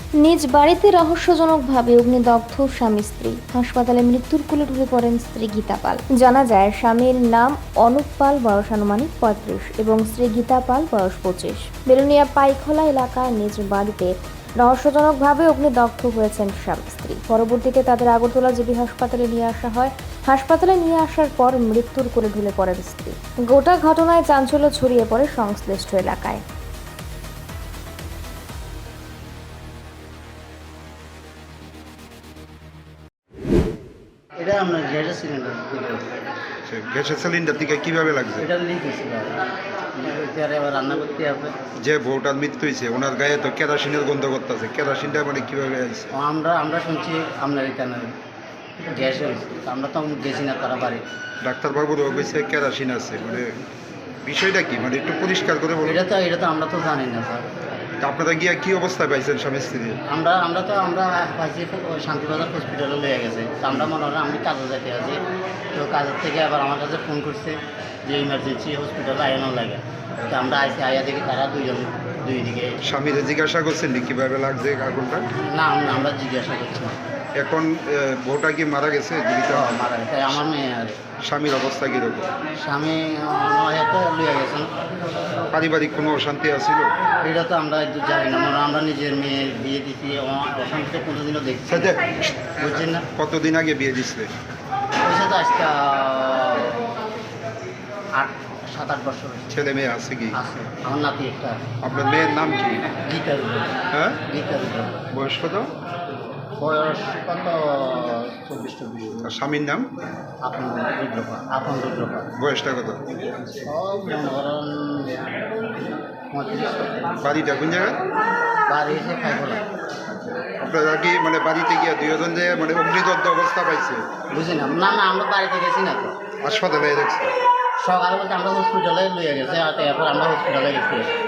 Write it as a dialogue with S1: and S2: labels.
S1: নিজ বাড়িতে রহস্যজনকভাবে অগ্নিদগ্ধ স্বামী স্ত্রী। হাসপাতালে মৃত্যুর কোলে ঢুকে পড়েন স্ত্রী গীতা পাল। জানা যায় স্বামীর নাম অনুপ পাল, বয়স আনুমানিক 35 এবং স্ত্রী গীতা পাল, বয়স 25। বেলুনিয়া পাইখোলা এলাকায় নিজ বাড়িতে রহস্যজনকভাবে অগ্নিদগ্ধ হয়েছেন স্বামী স্ত্রী। পরবর্তীতে তাদের আগরতলা জিবি হাসপাতালে নিয়ে আসা হয়। হাসপাতালে নিয়ে আসার পর মৃত্যুর কোলে ঢলে পড়েন স্ত্রী। গোটা ঘটনায় চাঞ্চল্য ছড়িয়ে পড়ে সংশ্লিষ্ট এলাকায়।
S2: এটা আপনার গ্যাসের সিলিন্ডার
S3: গ্যাসের সিলিন্ডার দিকে কিভাবে লাগছে?
S2: এটা লিক হয়েছিল আর এবার রান্না করতে হবে।
S3: যে বউটার মৃত্যু হয়েছে ওনার গায়ে তো কেরোসিনের গন্ধ করতেছে, কেরোসিনটা মানে কিভাবে আছে?
S2: আমরা শুনছি আপনার এখানে গ্যাস হয়েছে, আমরা তো গেছি না তারা বাড়ি।
S3: ডাক্তারবাবুরও কইছে কেরোসিন আছে, মানে বিষয়টা কি, মানে একটু পরিষ্কার করে বলুন।
S2: এটা তো আমরা তো জানি না স্যার।
S3: তা আপনারা গিয়া কি অবস্থায় পাইছেন স্বামী স্ত্রী?
S2: আমরা পাইছি শান্তিবাজার হসপিটালে লয়ে গেছে। তো আমরা মনে হয় আমি কাজে যেতে আছি, তো কাজের থেকে আবার আমার কাছে ফোন করছে যে ইমার্জেন্সি হসপিটালে আয়ানো লাগে। তো আমরা আয়া দেখি তারা দুই দিকে।
S3: স্বামীরে জিজ্ঞাসা করছেন নি কিভাবে লাগছে আগুনটা?
S2: না আমরা জিজ্ঞাসা করছি না।
S3: এখন বউটা কি মারা গেছে জীবিত?
S2: মারা গেছে আমার মেয়ে আর
S3: স্বামীর অবস্থা কীরকম?
S2: স্বামী নয়তো লইয়া গেছেন।
S3: পারিবারিক কোনো অশান্তি আছিল?
S2: এটা তো আমরা একটু জানি না, মানে আমরা নিজের মেয়ে বিয়ে দিচ্ছি, অশান্তি তো কোনোদিনও দেখছি না। বুঝছেন না?
S3: কতদিন আগে বিয়ে দিচ্ছে?
S2: ওইসে তো আজকে 7-8 বছর হয়েছে।
S3: ছেলে মেয়ে আছে কি?
S2: আছে, আমার নাতি একটা।
S3: আপনার মেয়ের নাম কি?
S2: গীতার উপর।
S3: হ্যাঁ,
S2: গীতার উপর।
S3: বয়স কত?
S2: বয়স কত? 24-24।
S3: আর স্বামীর নাম?
S2: আপন রুদ্রপা।
S3: বয়সটা কত?
S2: সব মনে করেন 35।
S3: বাড়িটা কোন জায়গায়?
S2: বাড়ি এসে খাইখোলা।
S3: আপনারা কি মানে বাড়িতে গিয়ে দুজন যে মানে অগ্নিদগ্ধ অবস্থা পাইছে?
S2: বুঝি না, আমরা বাড়িতে গেছি না তো।
S3: হাসপাতালে দেখছে?
S2: সকালে বলতে আমরা হসপিটালে লইয়া গেছে, আর এরপর আমরা হসপিটালে গেছি।